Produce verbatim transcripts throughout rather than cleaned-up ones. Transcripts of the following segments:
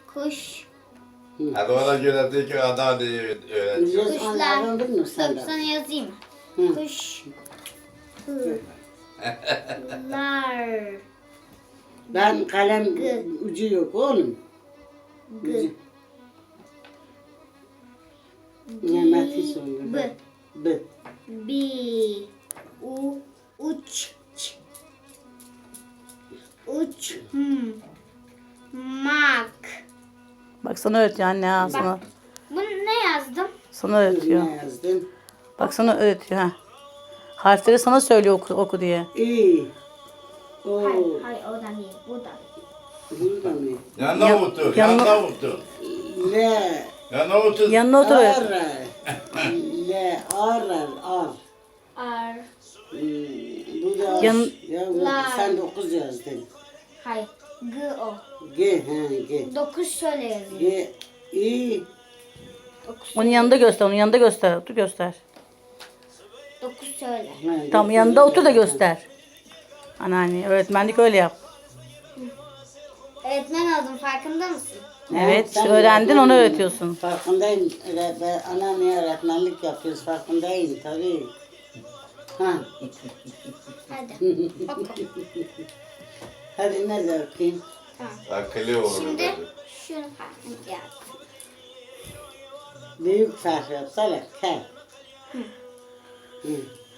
Kuş. Hadi ona göre de ki ana diye öğrenci. Biliyoruz Kuşlar. onlardan bilmiyor Dur sen de. sana yazayım. Hı. Kuş. Lar. Ben kalem Gı. ucu yok oğlum. Gı. Ucu. Mehmet'i söyle. B. B. Bi. U. Uç. Ç. Uç. Hmm. Mak. Bak sana öğretiyor anne ha sana. Bunu ne yazdım? Sana öğretiyor. Ne yazdın? Bak sana öğretiyor ha. Harfleri sana söylüyor oku, oku diye. İ. O. Hayır, hayır o da değil. Bu da. Burada mı? Yanına otur, yanına- yanına otur. L. Yanına otur. Yanına otur. Ar. L. Ar. Ar. Ar. Hmm, Bu da Yan- ya bu- Lar. sen dokuz yazdın. Hayır. G o. G he G. Dokuz şöyle yazıyor. G I Dokuz. Onun yanında göster, onun yanında göster. Otur göster. Dokuz söyle. ha, Tam dokuz yanında otur da yazdın. göster. Anneanne öğretmenlik öyle yap. Öğretmen oldum farkında mısın? Evet, sen işte öğrendin, onu öğretmen- öğretiyorsun. Farkındayım. Evet, ben anneanneye öğretmenlik yapıyoruz. Farkındayım tabii. Ha. Hadi oku. Hadi ne de okuyayım. Tamam. Akıllı olur. Şimdi dedi. şunu farkını yaz. Büyük harf yapsana. K. Hı.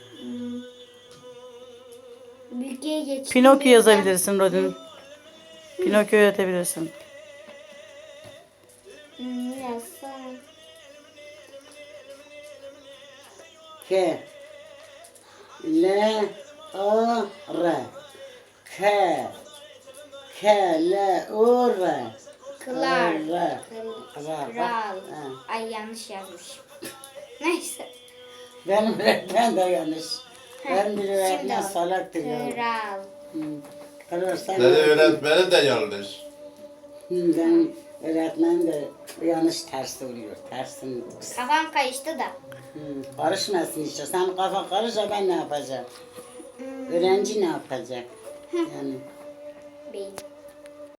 Bilgiye geç. Pinokyo yazabilirsin Rodin. Pinokyo öğretebilirsin. Hmm, yazsana. K. L. A. R. K. K. L. O. R. Kılar. R. Kıl- Kral. Kral. Ha. Ay yanlış yazmışım. Neyse. Benim öğretmen de yanlış. Ben bir Şimdi öğretmen o. salaktır ya. Kral. Kral sen Dedi öğretmeni de yanlış. Hı, benim öğretmen de yanlış ters oluyor. Tersin. Kafam karıştı da. Hı, karışmasın işte. Sen kafa karışsa ben ne yapacağım? Öğrenci ne yapacak? Yani Beyin.